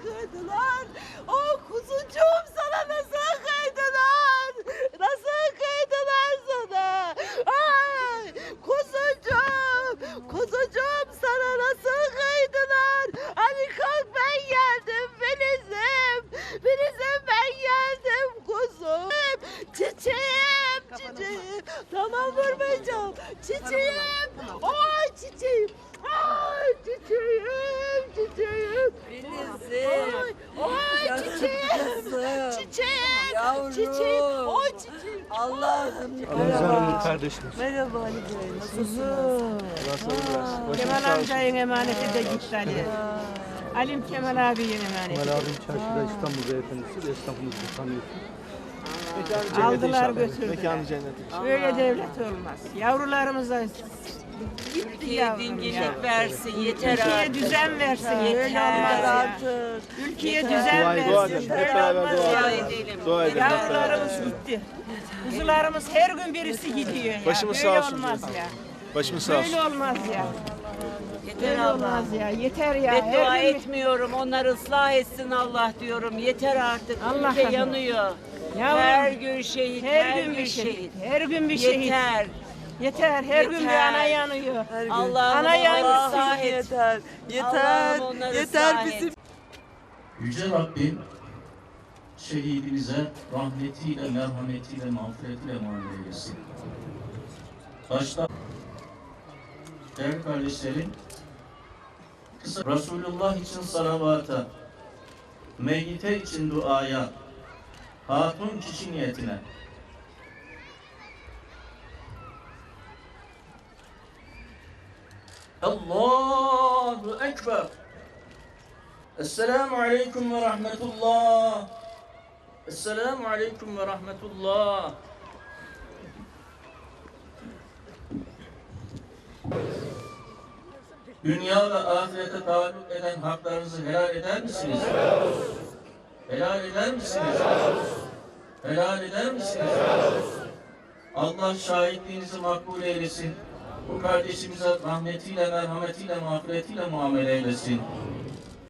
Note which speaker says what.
Speaker 1: kıydılar? Oh kuzucuğum sana nasıl kıydılar? Nasıl kıydılar sana? Ay kuzucuğum, kuzucuğum sana nasıl kıydılar? Hani kalk ben geldim Filiz'im, Filiz'im ben geldim kuzum. Çiçeğim, çiçeğim. Tamam vurmayacağım. Çiçeğim. Ay çiçeğim. Ay çiçeğim, çiçeğim.
Speaker 2: Filiz'im.
Speaker 1: Ay çiçeğim. Çiçeğim.
Speaker 2: Yavrum.
Speaker 1: Çiçeğim. Ay çiçeğim.
Speaker 2: Allah'ım.
Speaker 3: Hanım'ın kardeşimiz.
Speaker 2: Merhaba Ali Bey. Nasılsınız?
Speaker 4: Kemal amcayın emaneti de gitti Ali. Alim Kemal abinin emaneti.
Speaker 3: Kemal abim çarşıda İstanbul beyefendisi. Esnafımızı tanıyorsun.
Speaker 4: Aldılar götürdüler.
Speaker 3: Mekanı cennet.
Speaker 4: Böyle devlet olmaz. Yavrularımıza gitti
Speaker 2: Ülkeye
Speaker 4: yavrum ya.
Speaker 2: dinginlik versin. Yeter
Speaker 4: Ülkeye
Speaker 2: artık.
Speaker 4: düzen versin. Böyle
Speaker 2: Yeter
Speaker 4: olmaz ya.
Speaker 2: artık.
Speaker 4: Ülkeye
Speaker 2: Yeter.
Speaker 4: düzen
Speaker 3: Dua edelim.
Speaker 4: versin.
Speaker 3: Hep
Speaker 4: Böyle
Speaker 3: beraber
Speaker 4: olmaz
Speaker 3: dua
Speaker 4: ya.
Speaker 2: edelim.
Speaker 3: Dua edelim.
Speaker 4: Yavrularımız gitti. Kuzularımız her gün birisi gidiyor ya.
Speaker 3: Başımız
Speaker 4: Böyle
Speaker 3: sağ olsun
Speaker 4: olmaz
Speaker 3: diyoruz.
Speaker 4: ya.
Speaker 3: Başımız sağ olsun.
Speaker 4: Böyle olmaz ya.
Speaker 2: Yeter
Speaker 4: Böyle
Speaker 2: Allah.
Speaker 4: olmaz ya. Yeter ya.
Speaker 2: Beddua
Speaker 4: Her gün-
Speaker 2: etmiyorum. Onları ıslah etsin Allah diyorum. Yeter artık.
Speaker 4: Allah
Speaker 2: Ülke
Speaker 4: razı
Speaker 2: yanıyor.
Speaker 4: Yavrum,
Speaker 2: Her gün şehit.
Speaker 4: her gün bir şehit. Her gün bir şehit.
Speaker 2: Yeter.
Speaker 4: Yeter. Her gün bir
Speaker 2: Yeter.
Speaker 4: ana yanıyor.
Speaker 2: Allah'ım
Speaker 4: Ana
Speaker 2: onları
Speaker 4: yanıyor.
Speaker 2: ıslah et.
Speaker 5: Yeter, yeter,
Speaker 2: Allah'ım onları
Speaker 5: yeter
Speaker 2: ıslah
Speaker 5: bizim
Speaker 2: et.
Speaker 6: Yüce Rabbim şehidimize rahmetiyle, merhametiyle, mağfiretiyle muamele eylesin. Başta değerli kardeşlerim, kısa Resulullah için salavata, meyyite için duaya, hatun kişi niyetine. Allahu Ekber. Esselamu Aleyküm ve Rahmetullah. Esselamu Aleyküm ve Rahmetullah. Dünya ve ahirete taalluk eden haklarınızı helal eder misiniz? Helal eder misiniz? Helal eder misiniz? Allah şahitliğinizi makbul eylesin. Bu kardeşimize rahmetiyle, merhametiyle, mağfiretiyle muamele eylesin.